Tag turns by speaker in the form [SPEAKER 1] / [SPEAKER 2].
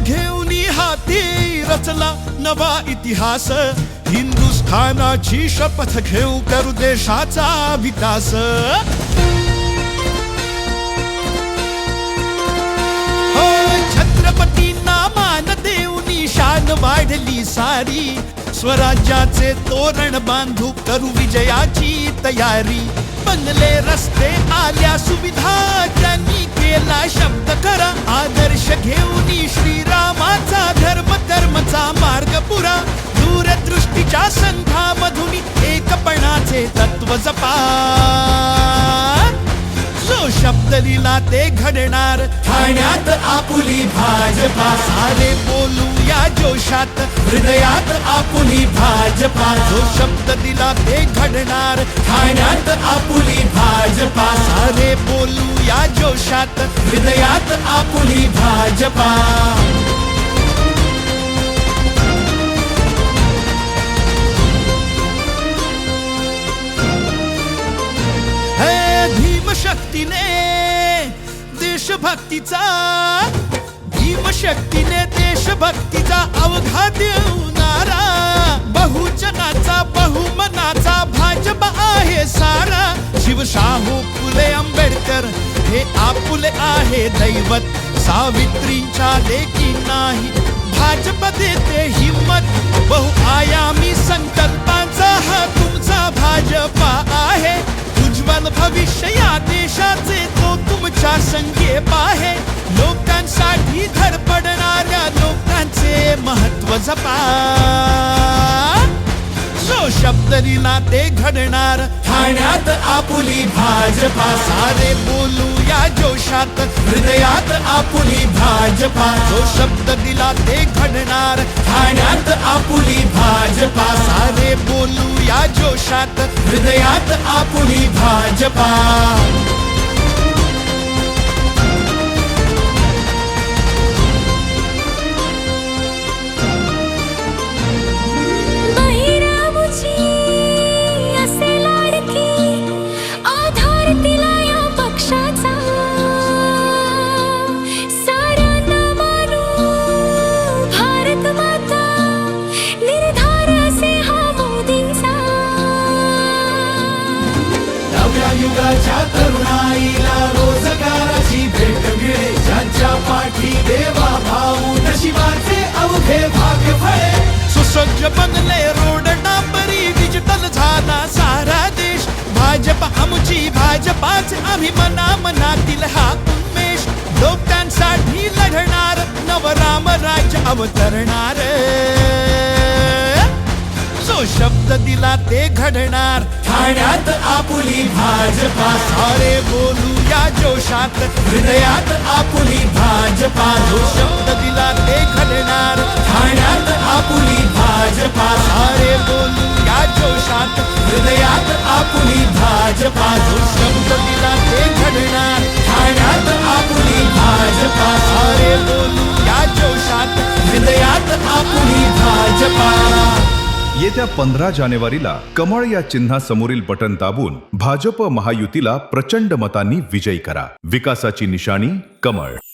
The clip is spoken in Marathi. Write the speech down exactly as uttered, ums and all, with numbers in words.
[SPEAKER 1] घेऊन हाती रचला नवा इतिहास, हिंदुस्थानाची शपथ घेऊ करू देशाचा विकास. हो छत्रपतींना मान देऊन शान वाढली सारी, स्वराज्याचे तोरण बांधू करू विजयाची तयारी. बनले रस्ते आल्या सुविधा, त्यांनी केला शब्द खरा, आदर्श घेऊन श्रीरामाचा धर्म कर्मचा मार्ग पुरा. दूरदृष्टीच्या संघामधून एकपणाचे तत्व जपा, जो शब्द लिहिला ते घडणार, ठाण्यात आपुली भाजपा. सारे बोलूया जोशात, हृदयात आपुली भाजपा. जो शब्द दिला ते घडणार, ठाण्यात आपुली भाजपा. सारे बोलूया जोशात, हृदयात आपुली भाजपा. भीमशक्तीने देशभक्तीचा, भीमशक्तीने देशभक्तीचा अवघा देऊनारा, बहुजनाचा बहुमनाचा भाजपा आहे सारा. शिवशाहू फुले आंबेडकर हे आपुले आहे दैवत, सावित्रींच्या लेकी नाही भाजपा देते हिम्मत. बहुआयामी संकल्पांचा हा तुमचा भाजपा आहे, उज्ज्वल भविष्य या देशाचे तो तुमच्या संकेत आहे. लोकांसाठी धडपडणाऱ्या लोकांचे महत्व जपा, जो शब्द लिहिला ते घडणार, ठाण्यात आपुली भाजपा. सारे बोलूया जोशात, हृदयात आपुली भाजपा. जो शब्द दिला ते घडणार, ठाण्यात आपुली भाजपा. सारे बोलूया जोशात, हृदयात आपुली भाजपा. युगाच्या तरुणाईला रोजगाराची भेट मिळे, ज्यांच्या पाठी देवा भाऊ नशिबाचे अवघे भाग्य फळे. सुसज्ज बनले रोड डांबरी, डिजिटल झाला सारा देश. भाजपा आमची भाजपाचे आम्ही मना मनातील हा उन्मेष. लोकांसाठी लढणार नवराम राज्य अवतरणार, जो शब्द दिला ते घडणार, ठाण्यात आपुली भाजपा. सारे बोलूया जोशात, हृदयात आपुली भाजपा. जो शब्द दिला ते घडणार, ठाण्यात आपुली भाजपा. सारे बोलूया जोशात, हृदयात आपुली भाजपा. जो शब्द दिला ते घडणार, ठाण्यात आपुली भाजपा. सारे बोलूया जोशात, हृदयात आपुली भाजपा.
[SPEAKER 2] येत्या पंधरा जानेवारीला कमळ या चिन्हासमोरील बटन दाबून भाजप महायुतीला प्रचंड मतांनी विजयी करा. विकासाची निशाणी कमळ.